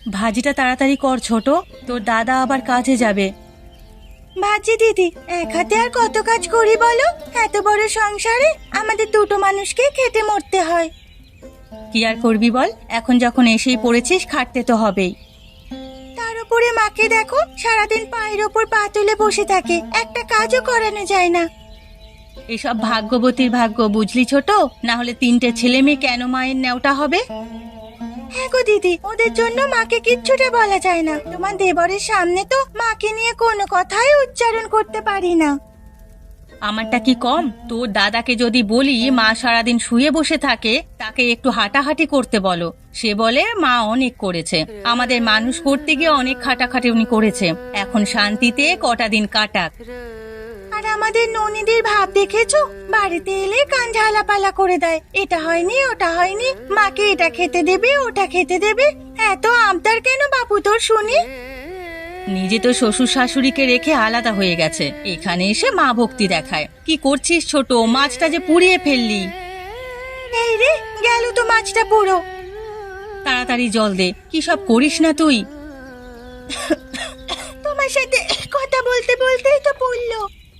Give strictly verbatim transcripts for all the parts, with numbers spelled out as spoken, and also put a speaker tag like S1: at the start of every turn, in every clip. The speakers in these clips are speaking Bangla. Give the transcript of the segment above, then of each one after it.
S1: ভাজিটা তাড়াতাড়ি কর ছোট, তোর দাদা আবার কাজে যাবে। ভাজি দিদি, এক হাতে আর কত কাজ করি বলো? এত বড় সংসারে আমাদের দুটো মানুষকে খেটে মরতে হয়। কি আর করবি বল, এখন যখন এসেই পড়েছিস খাটতে তো হবেই। তার উপরে মাকে দেখো, সারাদিন পায়ের ওপর পা তুলে বসে থাকে, একটা কাজও করানো যায় না। এসব ভাগ্যবতীর ভাগ্য বুঝলি ছোট, না হলে তিনটে ছেলে মেয়ে কেন মায়ের নেওটা হবে? হ্যাঁ গো দিদি, ওদের জন্য মাকে কিচ্ছুটা বলা যায় না। তোমার দেবরের সামনে তো মাকে নিয়ে কোনো কথাই উচ্চারণ করতে পারি না। আমারটা কি কম? তোর দাদাকে যদি বলি মা সারাদিন শুয়ে বসে থাকে, তাকে একটু হাঁটাহাঁটি করতে বলো, সে বলে মা অনেক করেছে, আমাদের মানুষ করতে গিয়ে অনেক খাটাখাটি উনি করেছে, এখন শান্তিতে কটা দিন কাটাক। আর আমাদের ননীদের ভাব দেখেছো, বাড়িতে এলে কান ঝালাপালা করে দেয়, এটা হয়নি ওটা হয়নি, মাকে এটা খেতে দেবে ওটা খেতে দেবে। এত আবদার কেন বাপু তোর শুনি? নিজে তো শ্বশুর শাশুড়িকে রেখে আলাদা হয়ে গেছে, এখানে এসে মা ভক্তি দেখায়। কি করছিস ছোট, মাছটা যে পুড়িয়ে ফেললি। এই রে, গেল তো মাছটা পুরো। তাড়াতাড়ি জল দে, কি সব করিস না তুই? তোমার সাথে কথা বলতে বলতেই তো পড়লো।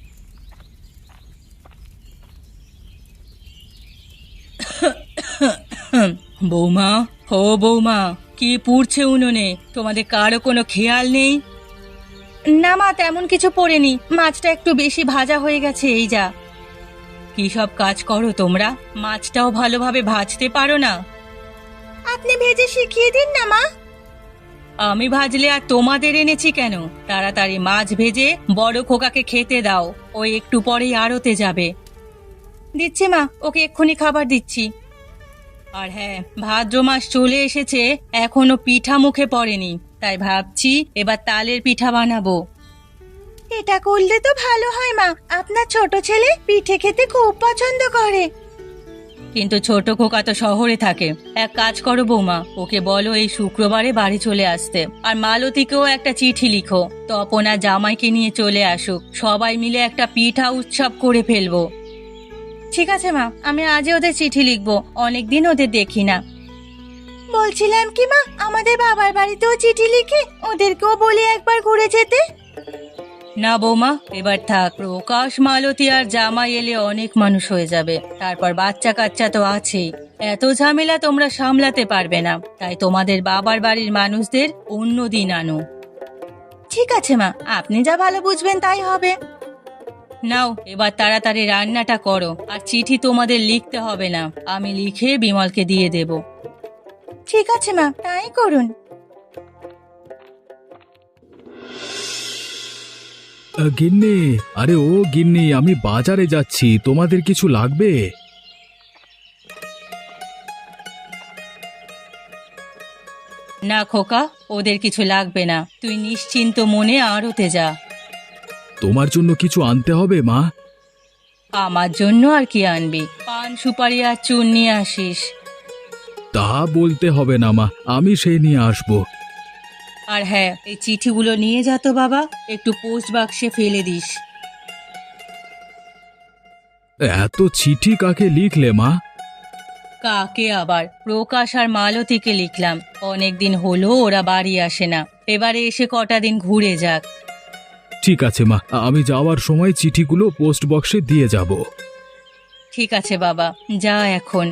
S1: বৌমা, ও বৌমা, কি পুড়ছে উনুনে? তোমাদের কারো কোনো খেয়াল নেই? না মা, তেমন কিছু পড়েনি, মাছটা একটু বেশি ভাজা হয়ে গেছে এই যা। কি সব কাজ করো তোমরা, মাছটাও ভালোভাবে ভাজতে পারো না? আপনি ভেজে শিখিয়ে দিন না মা। আমি ভাজলে আর তোমাদের এনেছি কেন? তাড়াতাড়ি মাছ ভেজে বড় খোকাকে খেতে দাও, ও একটু পরেই আড়তে যাবে। দিচ্ছি মা, ওকে এক্ষুনি খাবার দিচ্ছি। আর হ্যাঁ, ভাদ্র মাস চলে এসেছে, এখনো পিঠা মুখে পড়েনি, তাই ভাবছি এবার তালের পিঠা বানাবো। এটা করলে তো ভালো হয় মা, আপনার ছোট ছেলে পিঠে খেতে খুব পছন্দ করে। কিন্তু ছোট খোকা তো শহরে থাকে, এক কাজ করো বৌমা, ওকে বলো এই শুক্রবারে বাড়ি চলে আসতে, আর মালতীকেও একটা চিঠি লিখো, তপন আর জামাইকে নিয়ে চলে আসুক, সবাই মিলে একটা পিঠা উৎসব করে ফেলবো। ঠিক আছে মা, আমি আজই ওদের চিঠি লিখবো, অনেকদিন ওদের দেখি না। বলছিলাম কি মা, আমাদের বাবার বাড়িতেও চিঠি লিখে ওদেরকেও বলি একবার ঘুরে যেতে। না বৌমা, এবার থাক, প্রকাশ মালতী আর জামাই এলে অনেক মানুষ হয়ে যাবে, তারপর বাচ্চা কাচ্চা তো আছেই, এত ঝামেলা তোমরা সামলাতে পারবে না, তাই তোমাদের বাবার বাড়ির মানুষদের অন্য দিন আনো। ঠিক আছে মা, আপনি যা ভালো বুঝবেন তাই হবে। নাও এবার তাড়াতাড়ি রান্নাটা করো, আর চিঠি তোমাদের লিখতে হবে না, আমি লিখে বিমলকে দিয়ে দেব। ঠিক আছে মা, তাই করুন।
S2: গিন্নি, আরে ও গিন্নি, আমি বাজারে যাচ্ছি, তোমাদের কিছু লাগবে?
S1: না খোকা, ওদের কিছু লাগবে না, তুই নিশ্চিন্ত মনে আড়তে যা।
S2: তোমার জন্য কিছু আনতে হবে মা?
S1: আমার জন্য আর কি আনবি, পান সুপারি আর চুন নিয়ে আসিস।
S2: তা বলতে হবে না মা, আমি সেই নিয়ে আসবো।
S1: আর হ্যাঁ, এই চিঠিগুলো নিয়ে যা তো বাবা, একটু পোস্ট বাক্সে ফেলে দিস।
S2: এত চিঠি কাকে লিখলে মা?
S1: কাকে আবার, প্রকাশ আর মালতীকে লিখলাম, অনেকদিন হলো ওরা বাড়ি আসে না, এবারে এসে কটা দিন ঘুরে যাক।
S2: ঠিক আছে মা, আমি যাওয়ার সময় চিঠিগুলো পোস্ট বক্সে দিয়ে যাব।
S1: ঠিক আছে বাবা, যা এখন।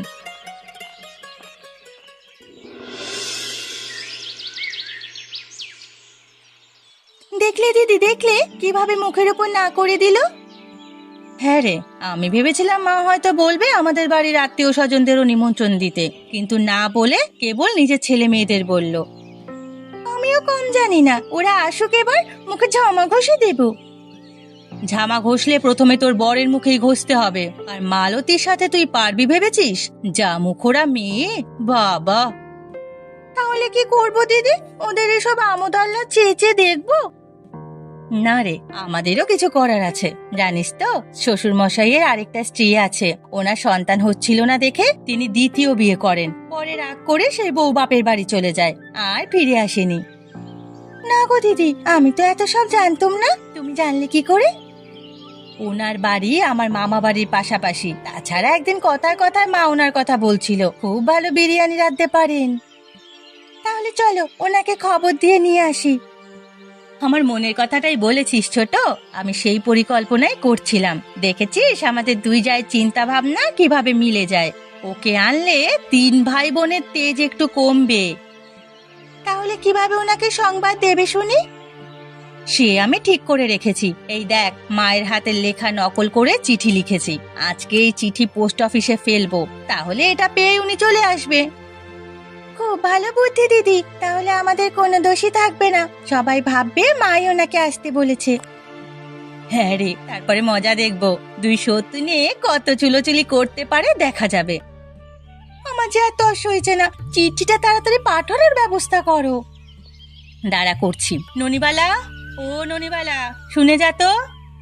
S1: দেখলে দিদি, দেখলে কিভাবে মুখের উপর না করে দিল। হ্যাঁ রে, আমি ভেবেছিলাম মা হয়তো বলবে আমাদের বাড়ির আত্মীয় স্বজনদেরও নিমন্ত্রণ দিতে, কিন্তু না বলে কেবল নিজের ছেলে মেয়েদের বলল। আমিও কম জানি না, ওরা আসুক, এবার মুখে ঝামা ঘষে দেব। ঝামা ঘষলে প্রথমে তোর বরের মুখেই ঘষতে হবে, আর মালতীর সাথে তুই পারবি ভেবেছিস? যা মুখোরা মেয়ে, বাবা। তাহলে কি করব দিদি, ওদের এসব আমোদ আল্লাহ চেয়ে চেয়ে দেখবো? না রে, আমাদেরও কিছু করার আছে, জানিস তো শ্বশুর মশাইয়ের আরেকটা স্ত্রী আছে, ওনার সন্তান হচ্ছিল না দেখে তিনি দ্বিতীয় বিয়ে করেন, পরে রাগ করে সেই বউ বাপের বাড়ি চলে যায়, আর ফিরে আসেনি। না গো দিদি, আমি তো এত সব জানতাম না, তুমি জানলে কি করে? ওনার বাড়ি আমার মামা বাড়ির পাশাপাশি, তাছাড়া একদিন কথায় কথায় মা ওনার কথা বলছিল, খুব ভালো বিরিয়ানি রাঁধতে পারেন। তাহলে চলো ওনাকে খবর দিয়ে নিয়ে আসি। আমার মনের কথাটাই বলেছিস ছোট, আমি সেই পরিকল্পনাই করছিলাম। দেখেছিস আমাদের দুই জায়ের চিন্তা ভাবনা কিভাবে মিলে যায়। ওকে আনলে তিন ভাই বোনের তেজ একটু কমবে। তাহলে কিভাবে ওনাকে সংবাদ দেবে শুনি? সে আমি ঠিক করে রেখেছি। এই দেখ, মায়ের হাতের লেখা নকল করে চিঠি লিখেছি। আজকে এই চিঠি পোস্ট অফিসে ফেলবো, তাহলে এটা পেয়ে উনি চলে আসবে। খুব ভালো বুদ্ধি দিদি, তাহলে আমাদের কোনো দোষই থাকবে না। সবাই ভাববে মাই ওনাকে আসতে বলেছে। হ্যাঁ রে, তারপরে মজা দেখবো দুই সত্যি নিয়ে কত চুলোচুলি করতে পারে দেখা যাবে। আমার যে আর তস হয়েছে না, চিঠিটা তাড়াতাড়ি পাঠানোর ব্যবস্থা করো। দাঁড়া করছি। ননিবালা, ও ননিবালা, শুনে যা তো।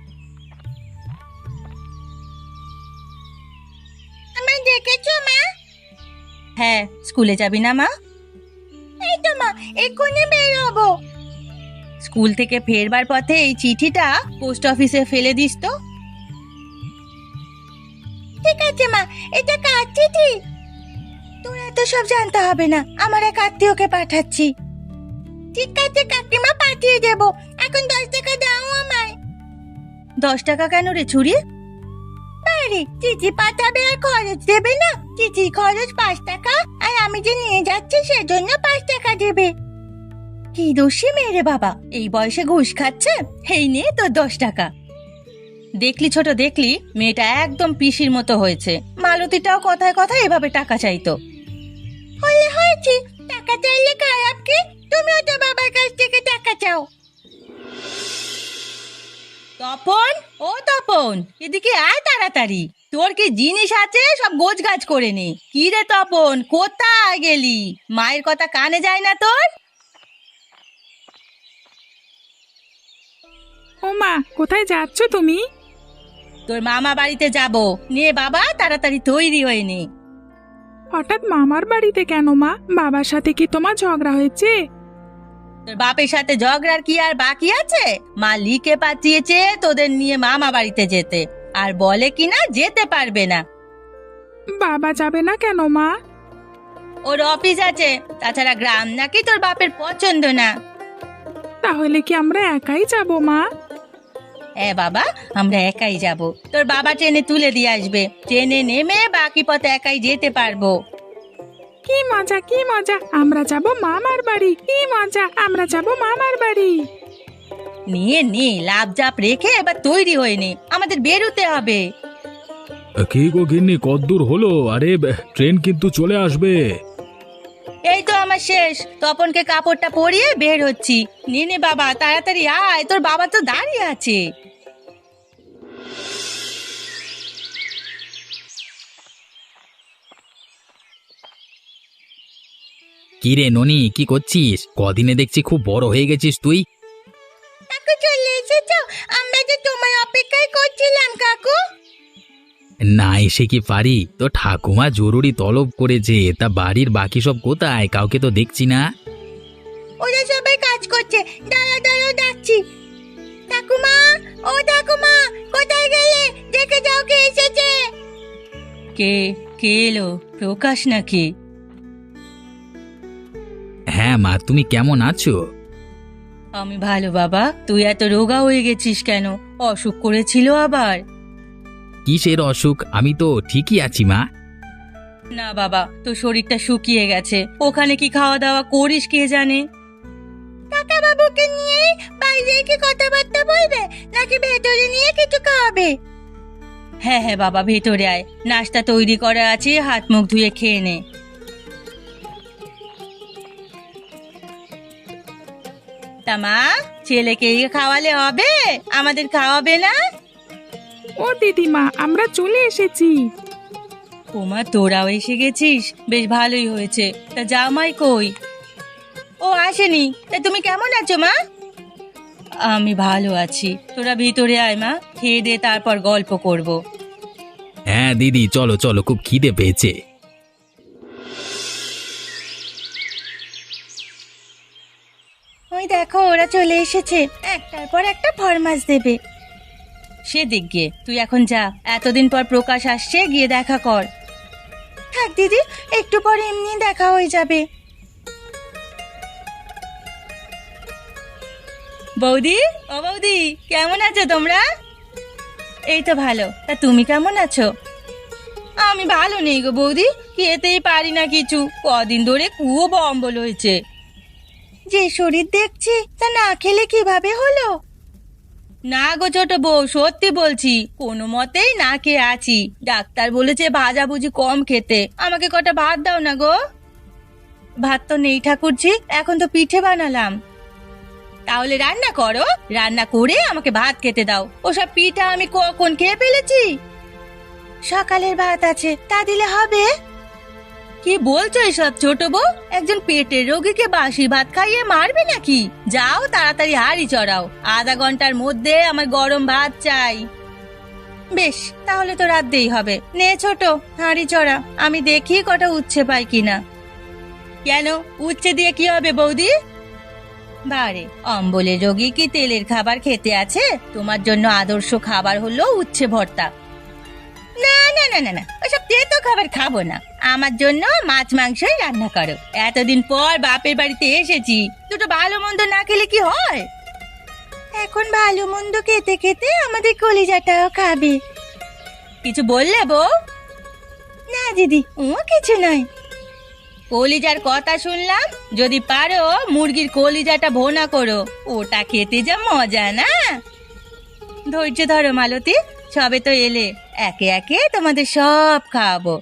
S1: আমায় ডেকেছো মা? হ্যাঁ, স্কুলে যাবি না মা? এই তো মা, এক্ষুনি বের হবো। স্কুল থেকে ফেরবার পথে এই চিঠিটা পোস্ট অফিসে ফেলে দিস তো। ঠিক আছে মা, এটা কার চিঠি? তোর এত সব জানতে হবে না, আমার এক আত্মীয়কে পাঠাচ্ছি। ঠিক আছে কাকিমা, পাঠিয়ে দেবো। এখন দশ টাকা দাও আমায়। দশ টাকা কেন রে ছুরি? আরে চিঠি পাঠাবে আর খরচ দেবে না? চিঠি খরচ পাঁচ টাকা, আর আমি যে নিয়ে যাচ্ছি সেজন্য পাঁচ টাকা দেবে। কি দোষী মেয়ে রে বাবা, এই বয়সে ঘুষ খাচ্ছে। এই নে তোর দশ টাকা। দেখলি ছোট, দেখলি মেয়েটা একদম পিসির মতো হয়েছে। মালতীটাও কথায় কথায় এভাবে টাকা চাইতো। হলে হয়েছে, টাকা চাইলে খারাপ কি? তুমিও তো বাবার কাছ থেকে টাকা চাও। তপন, ও তপন, এদিকে আয় তাড়াতাড়ি। তোর কি জিনিস আছে সব গোছ গাছ করে নে। কি রে তপন, কোথায় গেলি? মায়ের কথা কানে যায় না তোর?
S3: ও মা, কোথায় যাচ্ছ তুমি?
S1: তোর মামা বাড়িতে যাব। নে বাবা, তাড়াতাড়ি তৈরি হয়ে নে।
S3: হঠাৎ মামার বাড়িতে কেন মা? বাবার সাথে কি তোমার ঝগড়া হয়েছে?
S1: তোর বাপের সাথে ঝগড়ার কি আর বাকি আছে? মা লিখে পাঠিয়েছে তোদের নিয়ে মামা বাড়িতে যেতে, আর বলে কিনা যেতে পারবে না।
S3: বাবা যাবে না কেন মা?
S1: ওর অফিস আছে, তাছাড়া গ্রাম নাকি তোর বাপের পছন্দ না।
S3: তাহলে কি আমরা একাই যাব মা?
S1: হ্যাঁ বাবা, আমরা একাই যাব। তোর বাবা ট্রেনে তুলে দিয়ে আসবে, ট্রেনে নেমে বাকি পথে একাই যেতে পারবো।
S3: কি মজা, কি মজা, আমরা যাব মামার বাড়ি। কি মজা, আমরা যাব মামার বাড়ি।
S1: নিয়ে নে, লাভ জাপ রেখে এবার তৈরি হয়ে নে, আমাদের বেরোতে হবে।
S2: কি গো গিন্নি, কদ্দূর হলো? আরে ট্রেন কিন্তু চলে আসবে।
S1: এই তো আমার শেষ। তপনকে কাপড়টা পরিয়ে বের হচ্ছি। নে নে বাবা, তাড়াতাড়ি আয়, তোর বাবা তো দাঁড়িয়ে আছে।
S4: কি রে ননি, কি করছিস? কদিনে দেখছি খুব বড় হয়ে গেছিস তুই।
S1: কাকু চলে এসেছো? আমরা যে তোমার অপেক্ষায় করছিলাম কাকু।
S4: না এসে কি পারি? তো ঠাকুমা জরুরি তলব করেছে, তা বাড়ির বাকি সব কোথায়? কাউকে তো দেখছি না।
S1: ওরা সবাই কাজ করছে, দাঁড়া দাঁড়া ডাকছি। ঠাকুমা, ও ঠাকুমা, কোথায় গেলে? দেখে যাও কে এসেছে। কে কে এলো? প্রকাশ নাকি?
S4: হ্যাঁ মা, তুমি কেমন আছো?
S1: আমি ভালো বাবা। তুই এত রোগা হয়ে গেছিস কেন? অসুখ করেছিল আবার?
S4: কিসের অসুখ? আমি তো ঠিকই আছি মা।
S1: না বাবা, তোর শরীরটা শুকিয়ে গেছে। ওখানে কি খাওয়া দাওয়া করিস কে জানে। কাকা বাবুকে নিয়ে বাইরে কি কথাবার্তা বলবে, নাকি ভেতরে নিয়ে কিছু খাওয়াবে? হ্যাঁ হ্যাঁ বাবা, ভেতরে আয়, নাস্তা তৈরি করা আছে, হাত মুখ ধুয়ে খেয়ে নে। তা মা, ছেলেকে খাওয়ালে হবে, আমাদের খাওয়াবে না?
S3: ও দিদিমা, আমরা চলে এসেছি।
S1: ওমা, তোরাও এসে গেছিস, বেশ ভালোই হয়েছে। তা জামাই কই? ও আসেনি। তা তুমি কেমন আছো মা? আমি ভালো আছি। তোরা ভিতরে আয় মা, খেয়ে দে, তারপর গল্প করব।
S4: হ্যাঁ দিদি, চলো চলো, খুব খিদে পেয়েছে।
S1: ওই দেখো, ওরা চলে এসেছে। একটার পর একটা ফরমাস দেবে। সে দিক গিয়ে তুই এখন যা, এতদিন পর প্রকাশ আসছে, গিয়ে দেখা কর। থাক দিদি, একটু পরে এমনি দেখা হয়ে যাবে। বৌদি, ও বৌদি, কেমন আছো তোমরা? এই তো ভালো। তা তুমি কেমন আছো? আমি ভালো নেই গো বৌদি, খেতেই পারি না কিছু। কদিন ধরে খুব অম্বল হয়েছে। যে শরীর দেখছি তা না খেলে কিভাবে হলো? না গো ছোট বউ, সত্যি বলছি, কোনো মতেই না খেয়ে আছি। ডাক্তার বলেছে ভাজাভুজি কম খেতে। আমাকে কটা ভাত দাও না গো। ভাত তো নেই ঠাকুরজি, এখন তো পিঠে বানালাম। তাহলে রান্না করো, রান্না করে আমাকে ভাত খেতে দাও। ওসব পিঠা আমি কখন খেয়ে ফেলেছি? সকালের ভাত আছে, তা দিলে হবে? কি বলছো এসব ছোট বউ? একজন পেটের রোগীকে বাসি ভাত খাইয়ে মারবে নাকি? যাও তাড়াতাড়ি হাঁড়ি চড়াও, আধা ঘন্টার মধ্যে আমার গরম ভাত চাই। বেশ, তাহলে তো রাঁধতেই হবে। নে ছোট, হাঁড়ি চড়া, আমি দেখি কটা উচ্ছে পাই কিনা। কেন, উচ্ছে দিয়ে কি হবে বৌদি? বারে, অম্বলের রোগী কি তেলের খাবার খেতে আছে? তোমার জন্য আদর্শ খাবার হলো উচ্ছে ভর্তা। না না না না না, ওসব তেতো খাবার খাবো না। আমার জন্য মাছ মাংসই রান্না করো। এতদিন পর বাপের বাড়িতে এসেছি, দুটো ভালো মন্দ না খেলে কি হয়? এখন ভালো মন্দ খেতে খেতে আমাদের কলিজাটাও খাবে। কিছু বললে বউ? না দিদি, ও কিছু নয়। কলিজার কথা শুনলাম। যদি পারো মুরগির কলিজাটা ভোনা করো, ওটা খেতে যা মজা না। ধৈর্য ধরো মালতী, সবে তো এলে, একে একে তোমাদের সব খাওয়াবো।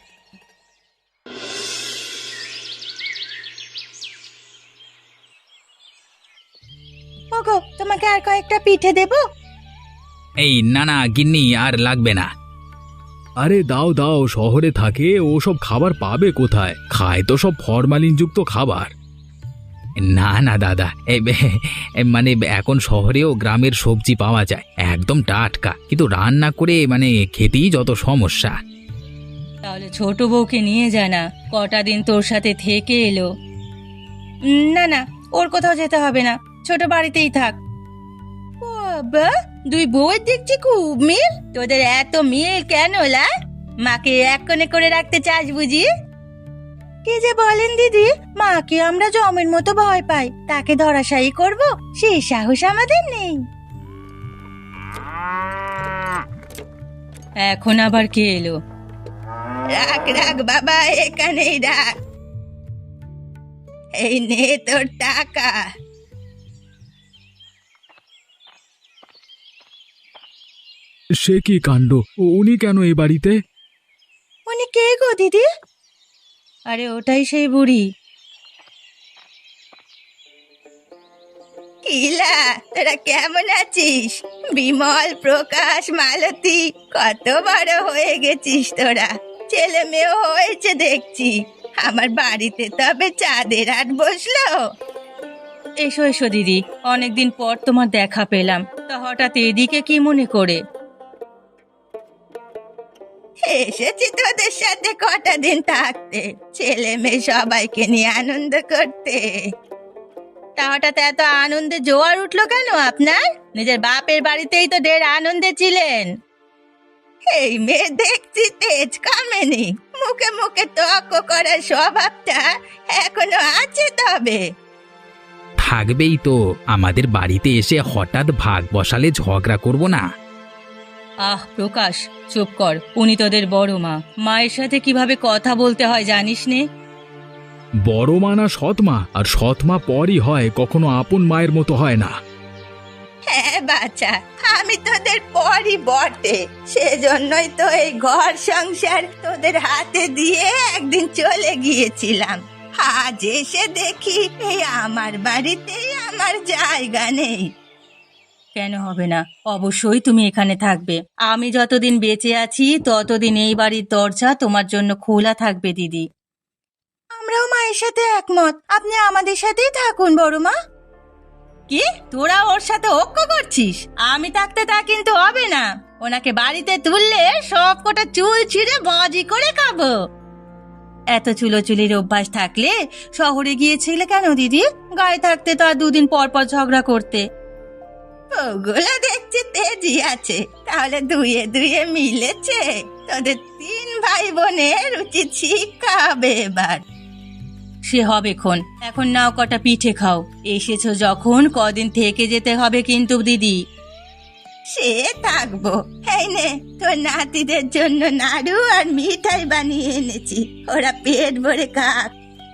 S1: ওগো, তোমাকে আর কয়েকটা পিঠে দেবো?
S4: এই না না গিন্নি, আর লাগবে না।
S2: আরে দাও দাও, শহরে থাকে ওসব খাবার পাবে কোথায়? খায় তো সব ফরমালিনযুক্ত খাবার।
S4: না না দাদা, এই বে- এই মানে এখন শহরেও গ্রামের সবজি পাওয়া যায়, একদম টাটকা, কিন্তু রান্না করে মানে খেতেই যত সমস্যা।
S1: তাহলে ছোট বউকে নিয়ে যায় না, কটা দিন তোর সাথে থেকে এলো। উম, না না, ওর কোথাও যেতে হবে না, ছোট বাড়িতেই থাক। বাবা, দুই বউয়ের দেখছি খুব মিল। তোদের এত মিল কেন লা? মাকে এক কোণে করে রাখতে চাস বুঝি? কি যে বলেন দিদি, মাকে আমরা জমের মতো ভয় পাই, তাকে ধরাশায়ী করব সেই সাহস আমাদের নেই। এখন আবার কে এলো? রাখ রাখ বাবা, এখানেই রাখ। এই নে তোর টাকা।
S2: সে কি কাণ্ড! উনি কেন এই বাড়িতে?
S1: উনি কে গো দিদি? আরে ওটাই সেই বুড়ি। কিলা, তোরা কেমন আছিস? বিমল, প্রকাশ, মালতী, কত বড় হয়ে গেছিস তোরা। ছেলে মেয়েও হয়েছে দেখছি। আমার বাড়িতে তবে চাঁদের হাট বসলো। এসো এসো দিদি, অনেকদিন পর তোমার দেখা পেলাম। তা হঠাৎ এদিকে কি মনে করে? এসেছি তোদের সাথে কটা দিন থাকতে, ছেলে মেয়ে সবাইকে নিয়ে আনন্দ করতে। তা হঠাৎ এত আনন্দে জোয়ার উঠলো কেন আপনার? নিজের বাপের বাড়িতেই তো ঢের আনন্দে ছিলেন। এই মেয়ে দেখছি তেজ কমেনি, মুখে মুখে তর্ক করার স্বভাবটা এখনো আছে। তবে
S4: থাকবেই তো, আমাদের বাড়িতে এসে হঠাৎ ভাগ বসালে ঝগড়া করব না।
S1: আহ প্রকাশ, চুপ কর। উনি তোদের বড় মা, মায়ের সাথে কিভাবে কথা বলতে হয় জানিস নে?
S2: বড় মা না সৎমা, আর সৎমা পরই হয়, কখনো আপন মায়ের মতো হয় না।
S1: হ্যাঁ বাচ্চা, আমি তোদের পরই বটে, সেজন্যই তো এই ঘর সংসার তোদের হাতে দিয়ে একদিন চলে গিয়েছিলাম। আজ এসে দেখি এই আমার বাড়িতেই আমার জায়গা নেই। কেন হবে না? অবশ্যই তুমি এখানে থাকবে। আমি যতদিন বেঁচে আছি ততদিন এই বাড়ির দরজা তোমার জন্য খোলা থাকবে দিদি। আমরাও মায়ের সাথে একমত, আপনি আমাদের সাথেই থাকুন বড় মা। কি, তোরা ওর সাথে ঐক্য করছিস? আমি থাকতে তা কিন্তু হবে না। ওনাকে বাড়িতে তুললে সব কটা চুল ছিঁড়ে বাজি করে খাবো। এত চুলোচুলির অভ্যাস থাকলে শহরে গিয়েছিলে কেন দিদি? গায়ে থাকতে তো আর দুদিন পর পর ঝগড়া করতে। ওগুলো দেখছি তেজি আছে, তাহলে দুয়ে দুয়ে মিলেছে। তোদের তিন ভাই বোনের উচিত শিক্ষা হবে এবার। সে হবে খন। এখন নাও কটা পিঠে খাও। এসেছো যখন কদিন থেকে যেতে হবে কিন্তু দিদি। সে থাকবো। এই নে তোর নাতিদের জন্য নাড়ু আর মিঠাই বানিয়ে এনেছি, ওরা পেট ভরে খাক।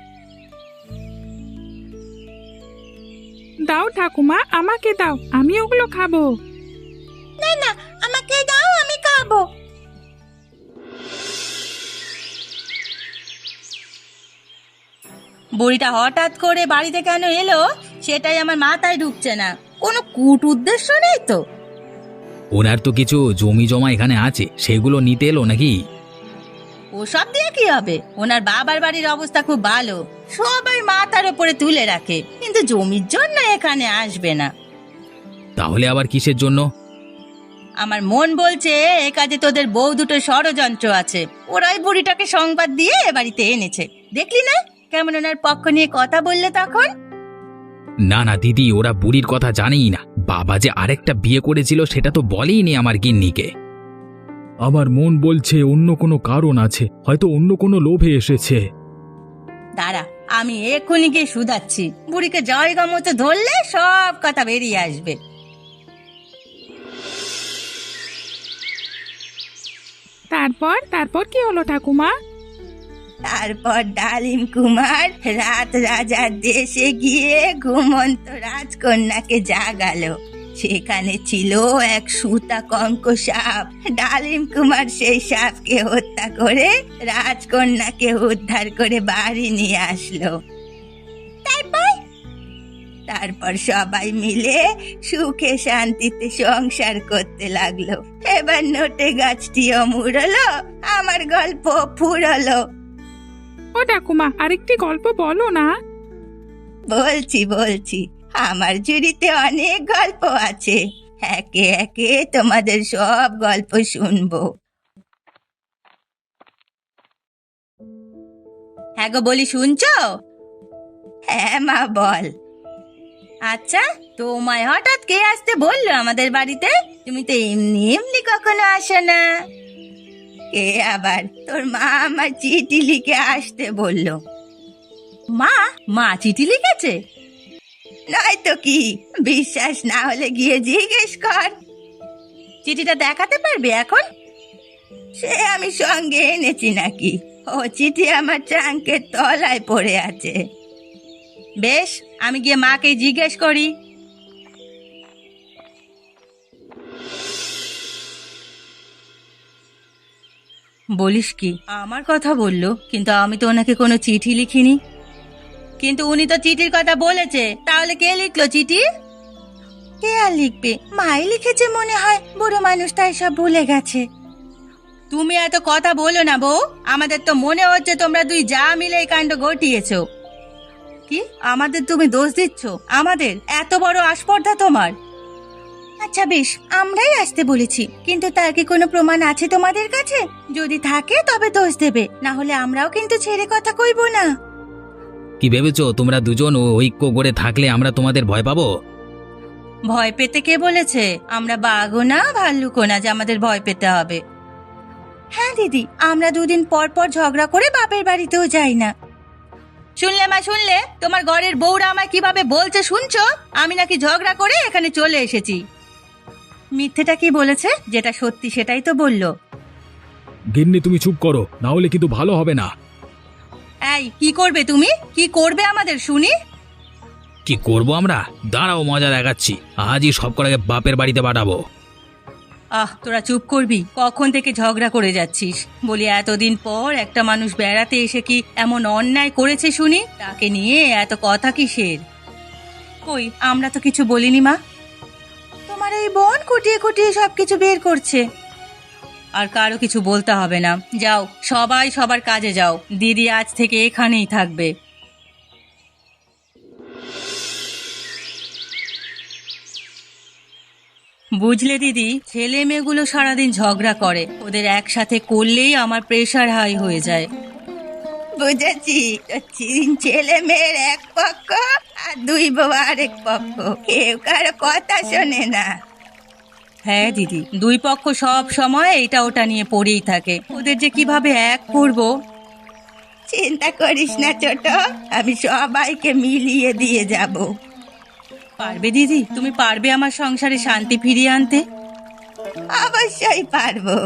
S3: দাও ঠাকুমা, আমাকে দাও, আমি ওগুলো খাবো।
S1: না না, আমাকে দাও, আমি খাবো। বুড়িটা হঠাৎ করে বাড়িতে কেন এলো সেটাই আমার মাথায় ঢুকছে না। কোনো কূট উদ্দেশ্য নেই তো?
S4: ওনার তো কিছু জমি জমা এখানে আছে, সেগুলো নিতে এলো নাকি?
S1: ওসব দিয়ে কি হবে? ওনার বাবার বাড়ির অবস্থা খুব ভালো, সবাই মাথার উপরে তুলে রাখে, কিন্তু জমির জন্য এখানে আসবে না।
S4: তাহলে আবার কিসের জন্য?
S1: আমার মন বলছে এ কাজে তোদের বউ দুটো ষড়যন্ত্র আছে। ওরাই বুড়িটাকে সংবাদ দিয়ে এ বাড়িতে এনেছে। দেখলি না কেমন ওনার পক্ষ নিয়ে কথা বললে তখন?
S4: না না দিদি, ওরা বুড়ির কথা জানেই না। বাবা যে আরেকটা বিয়ে করেছিল সেটা তো বলেইনি আমার গিন্নিকে।
S2: আমার মন বলছে অন্য কোনো কারণ আছে, হয়তো অন্য কোনো লোভে এসেছে।
S1: দাঁড়া, আমি এক্ষুনি গিয়ে শুধাচ্ছি। বুড়িকে জায়গা মতো ধরলে সব কথা বেরিয়ে আসবে।
S3: তারপর তারপর কি হলো ঠাকুমা?
S1: তারপর ডালিম কুমার রাত রাজার দেশে গিয়ে ঘুমন্ত রাজকন্যাকে জাগালো। সেখানে ছিল এক সুতা কঙ্ক সাপ। ডালিম কুমার সেই সাপকে হত্যা করে রাজকন্যাকে উদ্ধার করে বাড়ি নিয়ে আসলো। তারপর তারপর সবাই মিলে সুখে শান্তিতে সংসার করতে লাগলো। এবার নোটে গাছটিও মুড়লো, আমার গল্প ফুরলো।
S3: ও ঠাকুমা, আরেকটি গল্প বলো না।
S1: বলছি বলছি আমার ঝুড়িতে অনেক গল্প আছে, একে একে তোমাদের সব গল্প শুনবো। হ্যাঁ গো, বলি শুনছো? হ্যাঁ মা বল। আচ্ছা, তোমায় হঠাৎ কে আসতে বললো আমাদের বাড়িতে? তুমি তো এমনি এমনি কখনো আসো না। কে আবার? তোর মা আমার চিঠি লিখে আসতে বললো। মা মা চিঠি লিখেছে? নয়তো কি, বিশ্বাস না হলে গিয়ে জিজ্ঞেস কর। চিঠিটা দেখাতে পারবে এখন? সে আমি সঙ্গে এনেছি নাকি? ও চিঠি আমার ট্রাঙ্কের তলায় পড়ে আছে। বেশ, আমি গিয়ে মাকে জিজ্ঞেস করি। বলিস কি, আমার কথা বললো, কিন্তু আমি তো ওনাকে কোনো চিঠি লিখিনি। কিন্তু উনি তো চিঠির কথা বলেছে, তাহলে কে লিখলো চিঠি? কে আর লিখবে, মাই লিখেছে মনে হয়। বুড়ো মানুষটা এসব ভুলে গেছে। তুমি এত কথা বলো না বউ, আমাদের তো মনে হচ্ছে তোমরা দুই যা মিলে এই কাণ্ড ঘটিয়েছো। কি আমাদের তুমি দোষ দিচ্ছ? আমাদের এত বড় আস্পর্ধা তোমার? আচ্ছা বেশ, আমরাই আসতে বলেছি, কিন্তু তার কি কোনো প্রমাণ আছে তোমাদের কাছে? যদি থাকে তবে দোষ দেবে, না হলে আমরাও কিন্তু ছেড়ে কথা কইব না।
S4: কি ভেবেছো তোমরা দুজন ঐক্য করে থাকলে আমরা তোমাদের ভয় পাবো?
S1: ভয় পেতে কে বলেছে? আমরা বাঘও না ভাল্লুকও না যে আমাদের ভয় পেতে হবে। হ্যাঁ দিদি, আমরা দুদিন পর পর ঝগড়া করে বাপের বাড়িতেও যাই না। শুনলে মা, শুনলে তোমার ঘরের বউরা আমায় কিভাবে বলছে শুনছো? আমি নাকি ঝগড়া করে এখানে চলে এসেছি। মিথ্যেটা কি বলেছে? যেটা সত্যি সেটাই তো বললো।
S2: গিন্নি তুমি চুপ করো, না হলে কিন্তু ভালো হবে না।
S1: এই কি করবে তুমি? কি করবে আমাদের শুনি?
S4: কি করব আমরা? দাঁড়াও, মজা দেখাচ্ছি। আজই সব কটাকে বাপের বাড়িতে পাঠাবো।
S1: আহ, তোরা চুপ করবি? কখন থেকে ঝগড়া করে যাচ্ছিস? বলি এতদিন পর একটা মানুষ বেড়াতে এসে কি এমন অন্যায় করেছে শুনি, তাকে নিয়ে এত কথা কিসের? কই, আমরা তো কিছু বলিনি মা। তোমার এই বোন কুটিয়ে কুটিয়ে সবকিছু বের করছে। আর কারো কিছু বলতে হবে না, যাও সবাই সবার কাজে যাও। দিদি আজ থেকে এখানেই থাকবে। বুঝলে দিদি, ছেলে মেয়েগুলো সারাদিন ঝগড়া করে, ওদের একসাথে করলেই আমার প্রেশার হাই হয়ে যায়। বুঝেছি, তিন ছেলে মেয়ের এক পক্ষ আর দুই বউ আরেক পক্ষ, কেউ কারো কথা শোনে না। হ্যাঁ দিদি, দুই পক্ষ সব সময় এটা ওটা নিয়ে পড়েই থাকে। ওদের যে কিভাবে এক করব। চিন্তা করিস না ছোট, আমি সবাইকে মিলিয়ে দিয়ে যাব। পারবে দিদি, তুমি পারবে আমার সংসারে শান্তি ফিরিয়ে আনতে? অবশ্যই পারবো।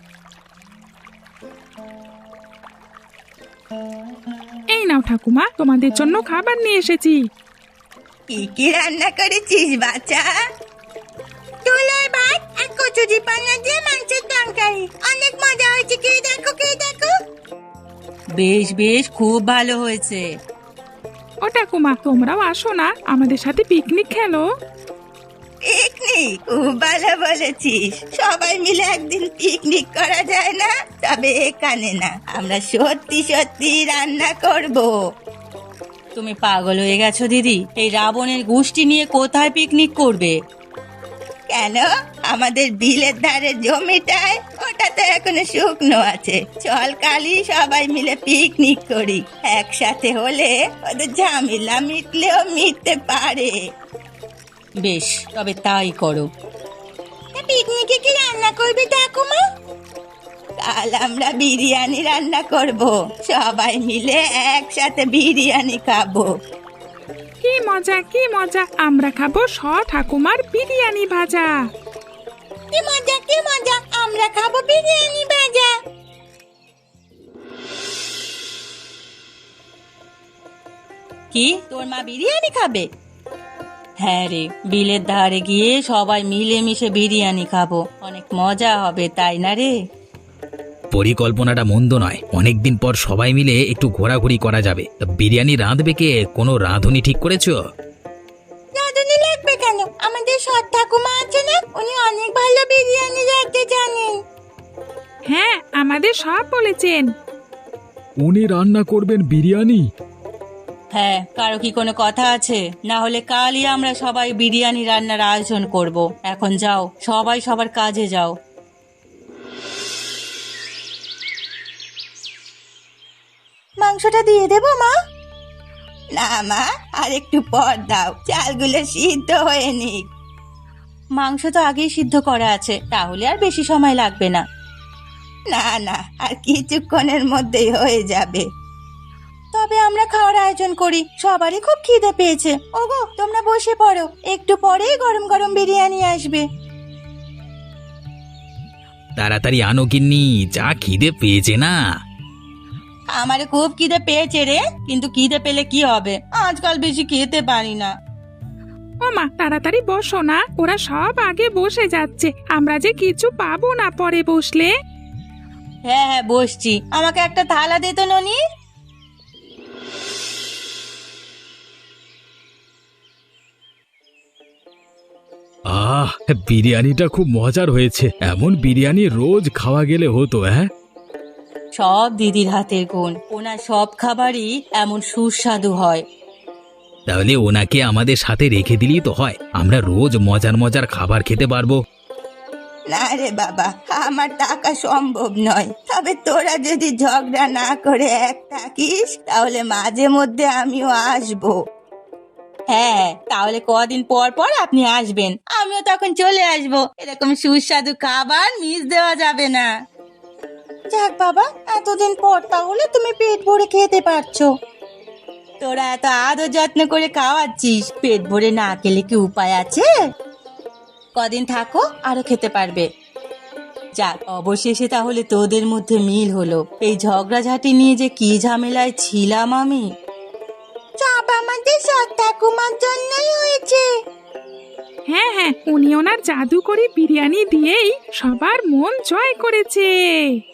S3: এই নাও ঠাকুমা, তোমাদের জন্য খাবার নিয়ে এসেছি।
S1: কি কি রান্না করেছিস বাচ্চা? তুলার ভাত আর কচুরি পানা দিয়ে মাংসের তরকারি, অনেক মজা হয়েছে। কে দেখো কে দেখো। বেশ বেশ, খুব ভালো হয়েছে।
S3: ও ঠাকুমা, তোমরাও আসো না, আমাদের সাথে পিকনিক খেলো।
S1: পিকনিক? খুব ভালো বলেছিস। সবাই মিলে একদিন পিকনিক করা যায় না? তবে এখানে না, আমরা সত্যি সত্যি রান্না করব। তুমি পাগল হয়ে গেছো দিদি, এই রাবণের গোষ্ঠী নিয়ে কোথায় পিকনিক করবে? কেন, আমাদের বিলের ধারে জমিটায়, ওটা তো এখনো শুকনো আছে। চল কালই সবাই মিলে পিকনিক করি। একসাথে হলে ওদের ঝামেলা মিটলেও মিটতে পারে। বেশ, তবে তাই করো। পিকনিকে কি রান্না করবে ঠাকুমা? কাল আমরা বিরিয়ানি রান্না করব, সবাই মিলে একসাথে বিরিয়ানি খাবো।
S3: কি মজা কি মজা, আমরা খাবো স ঠাকুমার বিরিয়ানি ভাজা।
S1: কি মজা কি মজা, আমরা খাবো বিরিয়ানি ভাজা। কি, তোর মা বিরিয়ানি খাবে? হ্যাঁ রে, বিলের ধারে গিয়ে সবাই মিলেমিশে বিরিয়ানি খাবো, অনেক মজা হবে, তাই না রে?
S4: পরিকল্পনাটা মন্দ নয়, অনেকদিন পর সবাই মিলে একটু ঘোরাঘুরি করা যাবে। তা বিরিয়ানি রাঁধবে কে? কোনো রাঁধুনি ঠিক করেছো?
S1: রাঁধুনি লাগবে কেন? আমাদের সৎ ঠাকুমা আছে না, উনি অনেক ভালো বিরিয়ানি রাঁধতে জানেন।
S3: হ্যাঁ, আমাদের সব বলেছেন।
S2: উনি রান্না করবেন বিরিয়ানি?
S1: হ্যাঁ, কারো কি কোনো কথা আছে? না হলে কালই আমরা সবাই বিরিয়ানি রান্নার আয়োজন করব। এখন যাও, সবাই সবার কাজে যাও। মাংসটা দিয়ে দেবো মা? না মা, আর একটু পর দাও, চালগুলো সিদ্ধ হয়ে নিক। মাংস তো আগেই সিদ্ধ করা আছে, তাহলে আর বেশি সময় লাগবে না। না না, আর কিছুক্ষণের মধ্যেই হয়ে যাবে। তবে আমরা খাওয়ার আয়োজন করি, সবারই খুব খিদে পেয়েছে। ওগো, তোমরা বসে পড়ো, একটু পরেই গরম গরম বিরিয়ানি আসবে।
S4: তাড়াতাড়ি আনো গিন্নি, যা খিদে পেয়েছে না।
S1: আমার খুব খিদে পেয়েছে রে, কিন্তু খিদে পেলে কি হবে, আজকাল বেশি খেতে পারি না।
S3: ও মা, তাড়াতাড়ি বসো না, ওরা সব আগে বসে যাচ্ছে, আমরা যে কিছু পাবো না পরে বসলে।
S1: হ্যাঁ হ্যাঁ, বসছি। আমাকে একটা থালা দে তো ননি।
S2: আহ, বিরিয়ানিটা খুব মজার হয়েছে। এমন বিরিয়ানি রোজ খাওয়া গেলে হতো। হ্যাঁ,
S1: সব দিদির হাতের গুণ, ওনার সব খাবারই এমন সুস্বাদু হয়।
S4: তাহলে ওনাকে আমাদের সাথে রেখে দিলেই তো হয়, আমরা রোজ মজার মজার খাবার খেতে পারবো।
S1: না রে বাবা, আমার টাকা সম্ভব নয়। তবে তোরা যদি ঝগড়া না করে এক থাকিস, তাহলে মাঝে মধ্যে আমিও আসবো। হ্যাঁ, তাহলে কদিন পর পর আপনি আসবেন, আমিও তখন চলে আসবো। এরকম সুস্বাদু খাবার মিস দেওয়া যাবে না। যাক বাবা, এতদিন পর তাহলে তুমি পেট ভরে খেতে পারছো। তোরা এত আদর যত্ন করে খাওয়াচ্ছিস, পেট ভরে না খেলে কি উপায় আছে? কদিন থাকো, আরো খেতে পারবে। যাক, অবশেষে তাহলে তোদের মধ্যে মিল হলো। এই ঝগড়াঝাটি নিয়ে যে কি ঝামেলায় ছিলাম আমি। সব আমাদের সৎ ঠাকুমার জন্যই হয়েছে।
S3: হ্যাঁ হ্যাঁ, উনি ওনার জাদু করে বিরিয়ানি দিয়েই সবার মন জয় করেছে।